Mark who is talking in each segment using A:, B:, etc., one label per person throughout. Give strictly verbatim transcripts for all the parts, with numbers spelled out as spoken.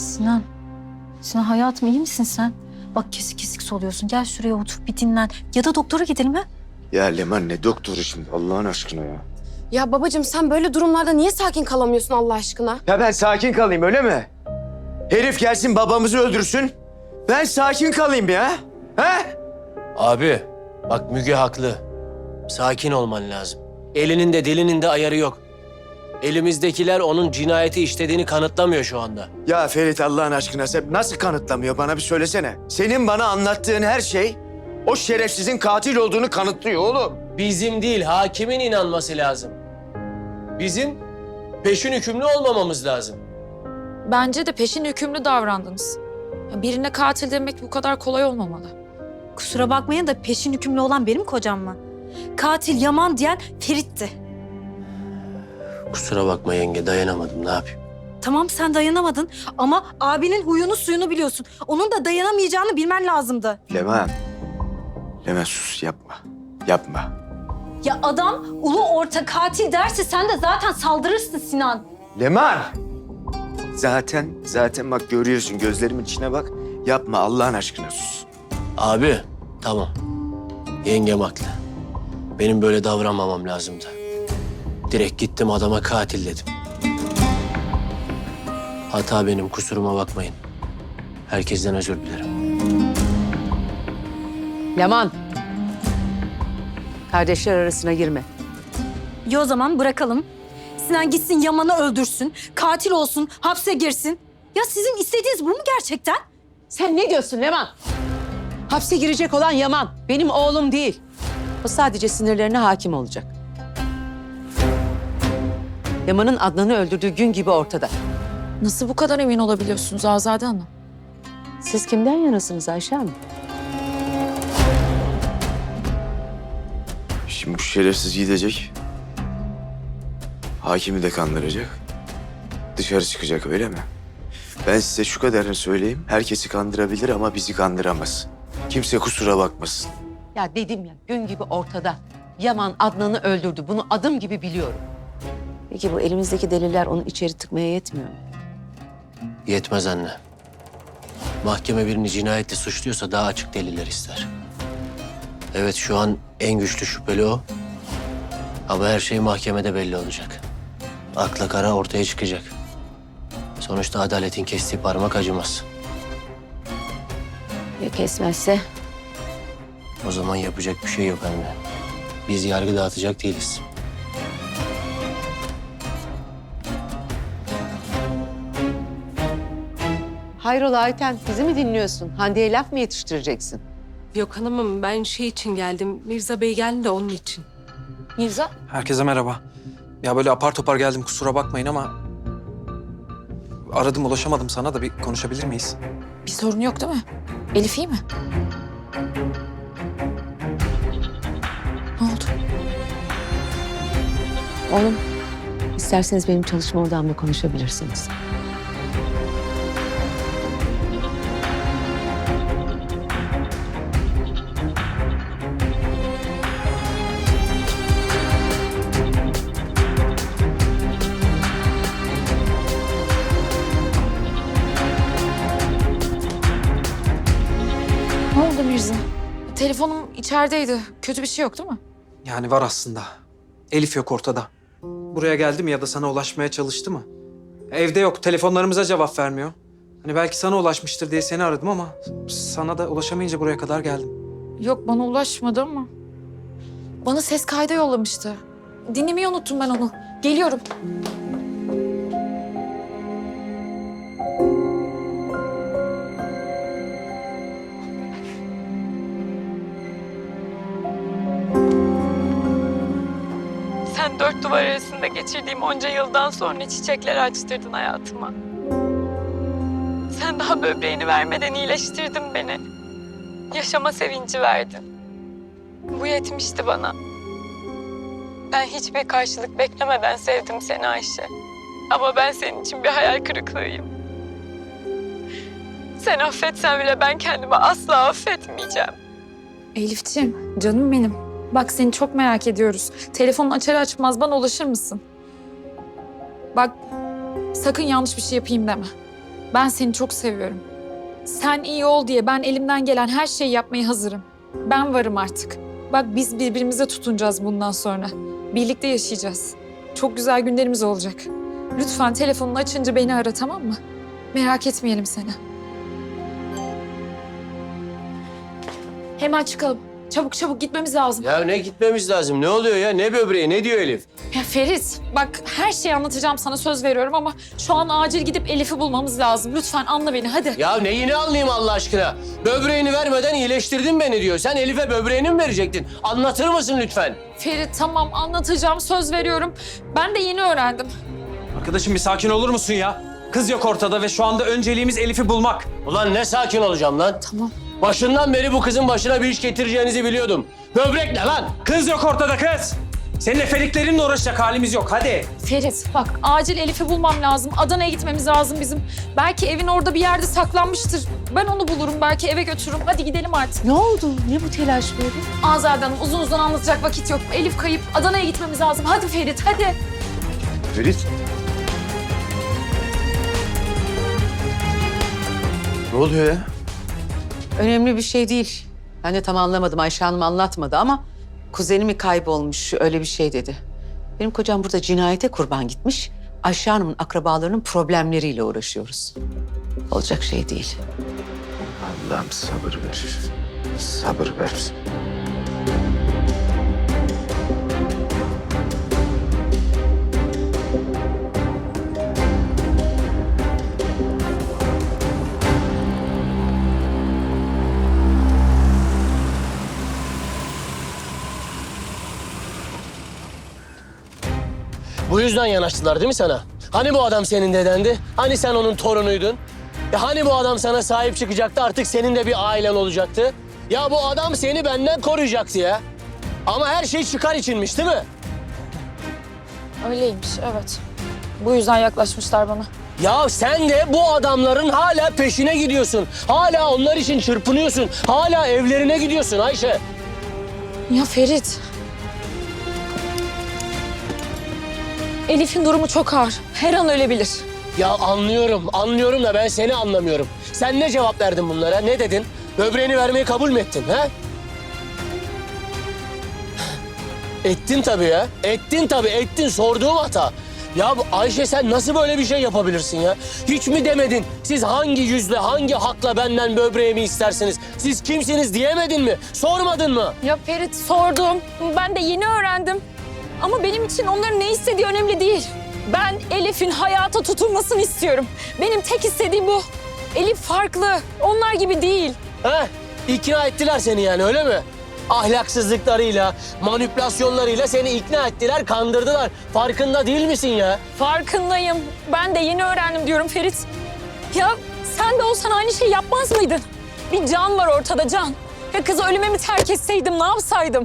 A: Sinan. Sinan hayatım iyi misin sen? Bak kesik kesik soluyorsun. Gel şuraya otur bir dinlen. Ya da doktora gidelim ha?
B: Ya Leman ne doktoru şimdi Allah'ın aşkına ya.
C: Ya babacığım sen böyle durumlarda niye sakin kalamıyorsun Allah aşkına?
B: Ya ben sakin kalayım öyle mi? Herif gelsin babamızı öldürsün. Ben sakin kalayım ya. He?
D: Abi bak Müge haklı. Sakin olman lazım. Elinin de dilinin de ayarı yok. Elimizdekiler onun cinayeti işlediğini kanıtlamıyor şu anda.
B: Ya Ferit Allah'ın aşkına sen nasıl kanıtlamıyor bana bir söylesene. Senin bana anlattığın her şey o şerefsizin katil olduğunu kanıtlıyor oğlum.
D: Bizim değil, hakimin inanması lazım. Bizim peşin hükümlü olmamamız lazım.
E: Bence de peşin hükümlü davrandınız. Birine katil demek bu kadar kolay olmamalı.
A: Kusura bakmayın da peşin hükümlü olan benim kocam mı? Katil Yaman diyen Ferit'ti.
D: Kusura bakma yenge, dayanamadım. Ne yapayım?
A: Tamam sen dayanamadın ama abinin huyunu suyunu biliyorsun. Onun da dayanamayacağını bilmen lazımdı.
B: Leman. Leman sus yapma. Yapma.
A: Ya adam ulu orta katil derse sen de zaten saldırırsın Sinan.
B: Leman. Zaten zaten bak görüyorsun gözlerimin içine bak. Yapma Allah'ın aşkına sus.
D: Abi, tamam. Yengem haklı. Benim böyle davranmamam lazımdı. Direkt gittim adama katil dedim. Hata benim, kusuruma bakmayın. Herkesten özür dilerim.
F: Leman. Kardeşler arasına girme.
A: İyi o zaman bırakalım. Sinan gitsin Yaman'ı öldürsün, katil olsun, hapse girsin. Ya sizin istediğiniz bu mu gerçekten?
F: Sen ne diyorsun Leman? Hapse girecek olan Yaman. Benim oğlum değil. O sadece sinirlerine hakim olacak. Yaman'ın Adnan'ı öldürdüğü gün gibi ortada.
E: Nasıl bu kadar emin olabiliyorsunuz Azade Hanım?
F: Siz kimden yanasınız Ayşe Hanım?
B: Şimdi bu şerefsiz gidecek. Hakimi de kandıracak. Dışarı çıkacak öyle mi? Ben size şu kadarını söyleyeyim. Herkesi kandırabilir ama bizi kandıramaz. Kimse kusura bakmasın.
F: Ya dedim ya gün gibi ortada. Yaman Adnan'ı öldürdü. Bunu adım gibi biliyorum. Peki bu elimizdeki deliller onu içeri tıkmaya yetmiyor mu?
D: Yetmez anne. Mahkeme birini cinayetle suçluyorsa daha açık deliller ister. Evet şu an en güçlü şüpheli o. Ama her şey mahkemede belli olacak. Akla kara ortaya çıkacak. Sonuçta adaletin kestiği parmak acımaz.
F: Ya kesmezse?
D: O zaman yapacak bir şey yok anne. Biz yargı dağıtacak değiliz.
F: Hayrola Ayten, bizi mi dinliyorsun? Hande'ye laf mı yetiştireceksin?
G: Yok hanımım ben şey için geldim. Mirza Bey geldi de onun için.
E: Mirza?
H: Herkese merhaba. Ya böyle apar topar geldim kusura bakmayın ama... Aradım ulaşamadım sana da bir konuşabilir miyiz?
E: Bir sorun yok değil mi? Elif iyi mi? Ne oldu?
F: Oğlum, isterseniz benim çalışma odamda konuşabilirsiniz.
E: Ne oldu Mirza? Telefonum içerideydi. Kötü bir şey yok değil mi?
H: Yani var aslında. Elif yok ortada. Buraya geldi mi ya da sana ulaşmaya çalıştı mı? Evde yok, telefonlarımıza cevap vermiyor. Hani belki sana ulaşmıştır diye seni aradım ama... ...sana da ulaşamayınca buraya kadar geldim.
E: Yok bana ulaşmadı ama. Bana ses kaydı yollamıştı. Dinlemeyi unuttum ben onu. Geliyorum.
G: Sen dört duvar arasında geçirdiğim onca yıldan sonra çiçekler açtırdın hayatıma. Sen daha böbreğini vermeden iyileştirdin beni. Yaşama sevinci verdin. Bu yetmişti bana. Ben hiçbir karşılık beklemeden sevdim seni Ayşe. Ama ben senin için bir hayal kırıklığıyım. Sen affetsen bile ben kendimi asla affetmeyeceğim.
E: Elifciğim, canım benim. Bak seni çok merak ediyoruz. Telefonun açar açmaz bana ulaşır mısın? Bak sakın yanlış bir şey yapayım deme. Ben seni çok seviyorum. Sen iyi ol diye ben elimden gelen her şeyi yapmaya hazırım. Ben varım artık. Bak biz birbirimize tutunacağız bundan sonra. Birlikte yaşayacağız. Çok güzel günlerimiz olacak. Lütfen telefonunu açınca beni ara, tamam mı? Merak etmeyelim seni. Hemen çıkalım. Çabuk çabuk gitmemiz lazım.
D: Ya ne gitmemiz lazım? Ne oluyor ya? Ne böbreği? Ne diyor Elif?
E: Ya Ferit, bak her şeyi anlatacağım sana, söz veriyorum ama şu an acil gidip Elif'i bulmamız lazım. Lütfen anla beni, hadi.
D: Ya neyini anlayayım Allah aşkına? Böbreğini vermeden iyileştirdin beni diyor. Sen Elif'e böbreğini mi verecektin? Anlatır mısın lütfen?
E: Ferit tamam, anlatacağım, söz veriyorum. Ben de yeni öğrendim.
H: Arkadaşım bir sakin olur musun ya? Kız yok ortada ve şu anda önceliğimiz Elif'i bulmak.
D: Ulan ne sakin olacağım lan?
E: Tamam.
D: Başından beri bu kızın başına bir iş getireceğinizi biliyordum. Böbrek ne lan?
H: Kız yok ortada kız. Senin efeliklerinle uğraşacak halimiz yok. Hadi.
E: Ferit bak, acil Elif'i bulmam lazım. Adana'ya gitmemiz lazım bizim. Belki evin orada bir yerde saklanmıştır. Ben onu bulurum, belki eve götürürüm. Hadi gidelim artık.
F: Ne oldu? Ne bu telaş böyle?
E: Azade Hanım, uzun uzun anlatacak vakit yok. Elif kayıp, Adana'ya gitmemiz lazım. Hadi Ferit, hadi.
B: Ferit. Ne oluyor ya?
F: Önemli bir şey değil. Ben de tam anlamadım. Ayşe Hanım anlatmadı ama kuzeni mi kaybolmuş öyle bir şey dedi. Benim kocam burada cinayete kurban gitmiş. Ayşe Hanım'ın akrabalarının problemleriyle uğraşıyoruz. Olacak şey değil.
B: Allah'ım sabır ver. Sabır ver.
D: Bu yüzden yanaştılar değil mi sana? Hani bu adam senin dedendi? Hani sen onun torunuydun? Ya hani bu adam sana sahip çıkacaktı, artık senin de bir ailen olacaktı? Ya bu adam seni benden koruyacaktı ya. Ama her şey çıkar içinmiş değil mi?
E: Öyleymiş, evet. Bu yüzden yaklaşmışlar bana.
D: Ya sen de bu adamların hala peşine gidiyorsun. Hala onlar için çırpınıyorsun. Hala evlerine gidiyorsun Ayşe.
E: Ya Ferit. Elif'in durumu çok ağır. Her an ölebilir.
D: Ya anlıyorum, anlıyorum da ben seni anlamıyorum. Sen ne cevap verdin bunlara? Ne dedin? Böbreğini vermeyi kabul mü ettin, ha? Ettin tabii ya. Ettin tabii, ettin. Sorduğum hata. Ya bu Ayşe, sen nasıl böyle bir şey yapabilirsin ya? Hiç mi demedin? Siz hangi yüzle, hangi hakla benden böbreğimi istersiniz? Siz kimsiniz diyemedin mi? Sormadın mı?
E: Ya Ferit, sordum. Ben de yeni öğrendim. Ama benim için onların ne istediği önemli değil. Ben Elif'in hayata tutunmasını istiyorum. Benim tek istediğim bu. Elif farklı. Onlar gibi değil.
D: Ha? İkna ettiler seni yani, öyle mi? Ahlaksızlıklarıyla, manipülasyonlarıyla seni ikna ettiler, kandırdılar. Farkında değil misin ya?
E: Farkındayım. Ben de yeni öğrendim diyorum Ferit. Ya sen de olsan aynı şeyi yapmaz mıydın? Bir can var ortada, can. Ya kızı ölüme mi terk etseydim, ne yapsaydım?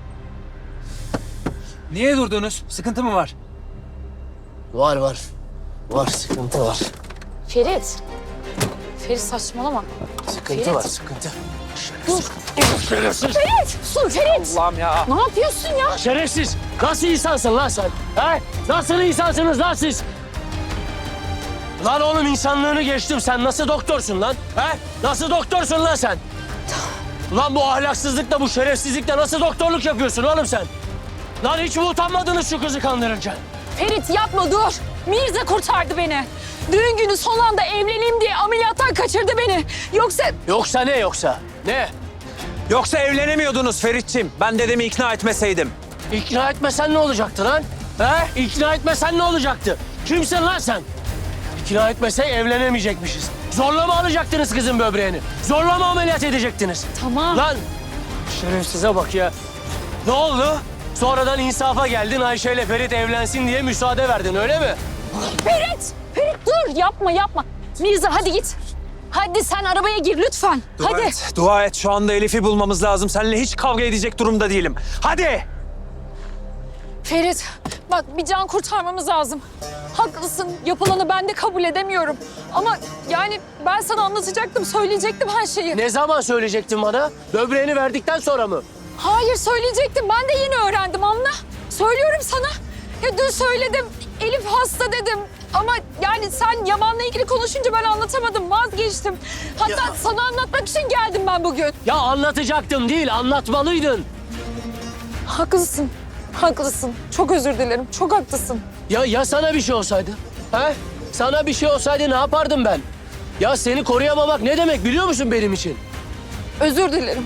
H: Niye durdunuz? Sıkıntı mı var?
D: Var var. Var, sıkıntı var.
E: Ferit. Ferit saçmalama.
D: Sıkıntı
E: Ferit.
D: var, sıkıntı.
E: Dur. Ferit! Dur Ferit!
H: Allah'ım ya.
E: Ne yapıyorsun ya?
D: Şerefsiz! Nasıl insansın lan sen? He? Nasıl insansınız lan siz? Lan oğlum, insanlığını geçtim. Sen nasıl doktorsun lan? He? Nasıl doktorsun lan sen? Lan bu ahlaksızlıkla, bu şerefsizlikle nasıl doktorluk yapıyorsun oğlum sen? Lan hiç mi utanmadınız şu kızı kandırırken?
E: Ferit yapma, dur. Mirza kurtardı beni. Düğün günü son anda evleneyim diye ameliyattan kaçırdı beni. Yoksa...
D: Yoksa ne yoksa? Ne?
H: Yoksa evlenemiyordunuz Ferit'ciğim. Ben dedemi ikna etmeseydim.
D: İkna etmesen ne olacaktı lan? He? İkna etmesen ne olacaktı? Kimsin lan sen? İkna etmesek evlenemeyecekmişiz. Zorla mı alacaktınız kızın böbreğini? Zorla mı ameliyat edecektiniz?
E: Tamam.
D: Lan şerefsize bak ya. Ne oldu? Sonradan insafa geldin, Ayşe ile Ferit evlensin diye müsaade verdin, öyle mi?
E: Ferit! Ferit dur, yapma yapma. Mirza hadi git. Hadi sen arabaya gir lütfen.
H: Dua
E: hadi.
H: et, dua et. Şu anda Elif'i bulmamız lazım. Seninle hiç kavga edecek durumda değilim. Hadi!
E: Ferit bak, bir can kurtarmamız lazım. Haklısın, yapılanı ben de kabul edemiyorum. Ama yani ben sana anlatacaktım, söyleyecektim her şeyi.
D: Ne zaman söyleyecektin bana? Böbreğini verdikten sonra mı?
E: Hayır söyleyecektim, ben de yeni öğrendim, anla. Söylüyorum sana. Ya dün söyledim, Elif hasta dedim. Ama yani sen Yaman'la ilgili konuşunca ben anlatamadım, vazgeçtim. Hatta sana anlatmak için geldim ben bugün.
D: Ya anlatacaktım değil, anlatmalıydın.
E: Haklısın, haklısın. Çok özür dilerim, çok haklısın.
D: Ya ya sana bir şey olsaydı? He? Sana bir şey olsaydı ne yapardım ben? Ya seni koruyamamak ne demek biliyor musun benim için?
E: Özür dilerim.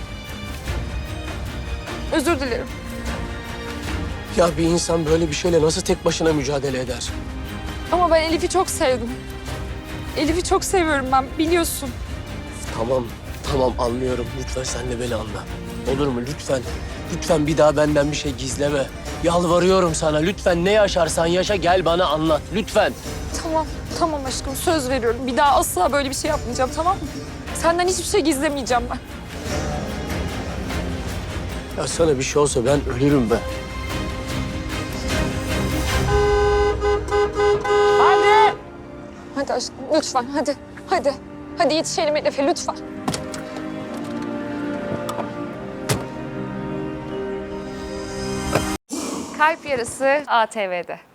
E: Özür dilerim.
D: Ya bir insan böyle bir şeyle nasıl tek başına mücadele eder?
E: Ama ben Elif'i çok sevdim. Elif'i çok seviyorum ben, biliyorsun.
D: Tamam, tamam anlıyorum. Lütfen sen de beni anla. Olur mu? Lütfen. Lütfen bir daha benden bir şey gizleme. Yalvarıyorum sana. Lütfen ne yaşarsan yaşa gel bana anlat. Lütfen.
E: Tamam, tamam aşkım. Söz veriyorum. Bir daha asla böyle bir şey yapmayacağım, tamam mı? Senden hiçbir şey gizlemeyeceğim ben.
D: Ya sana bir şey olsa ben ölürüm ben.
E: Hadi aşkım, lütfen. Hadi, hadi. Hadi yetişelim Elif'e, lütfen.
I: Kalp Yarısı A T V'de.